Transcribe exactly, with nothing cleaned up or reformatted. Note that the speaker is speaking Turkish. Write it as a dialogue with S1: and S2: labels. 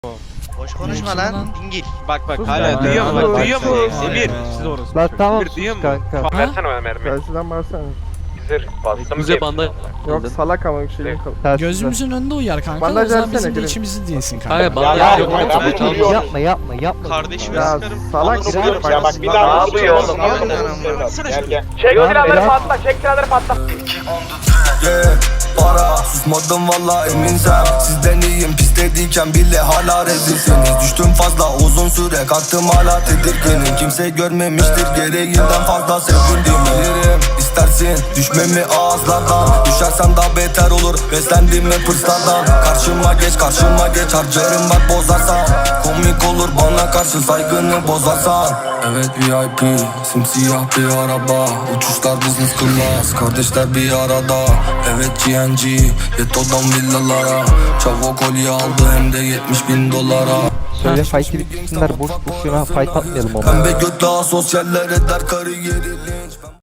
S1: Boş konuşma lan. Dingil.
S2: Bak bak
S3: Sus
S2: hala
S3: lan.
S2: duyuyor mu?
S3: Sus
S2: Bak
S3: lan.
S2: duyuyor mu?
S3: Sus.
S2: Emir.
S3: Siz orası.
S4: Lan tamam
S2: Emir duyuyor
S4: sus
S2: mu?
S4: kanka.
S3: Versene
S5: o mermi.
S3: Tersinden bağırsana.
S5: Zırh bastım.
S6: Bize bandaj.
S3: Yok salak ama bir şeyim kaldı.
S4: Tersine.
S7: Gözümüzün önünde uyar kanka.
S3: Bandaj
S7: O zaman
S3: versene,
S7: bizim de
S3: gidelim.
S7: içimizde değilsin kanka.
S6: Kanka
S5: Ya,
S6: bandaj
S5: ya,
S6: yok.
S5: ya,
S6: ama
S5: ya,
S6: tabii
S5: ya,
S6: tamam.
S5: ya.
S4: Yapma yapma yapma.
S1: Kardeşime
S3: Ya
S1: sıkarım.
S3: salak
S1: Ananı
S3: ya
S1: sıkarım.
S5: Ya bak bir
S3: Lan
S5: daha
S3: ne
S5: ne yapıyor
S3: yapıyorsun
S5: oğlum?
S1: oğlum?
S5: Ne
S1: Lan
S5: yapıyorsun?
S1: baksana
S5: Gel
S1: şunu.
S5: gel. Çek o silahları
S4: biraz-
S5: patla, çek silahları patla.
S8: Yeah, para susmadım valla eminsem. Sizden iyiyim pislediyken bile hala rezilsiniz. Düştüm fazla uzun süre kalktım hala tedirginim. Kimse görmemiştir gereğinden fazla sevildiğimi. Bilirim istersin düşmemi ağızlardan. Düşersen daha beter olur beslendim hep hırslardan. Karşıma geç karşıma geç harcarım bak bozarsan. Komik olur bana karşı saygını bozarsan. Evet V I P simsiyah bir araba. Uçuşlar business class kardeşler bir arada. Evet G N G Yeto'dan villalara. Çavo kolye aldı hem de yetmiş bin dolara.
S4: Söyle fight'i bitsinler boş boşuna fight atmayalım ama.
S8: Pembe götle asosyaller eder kariyerili.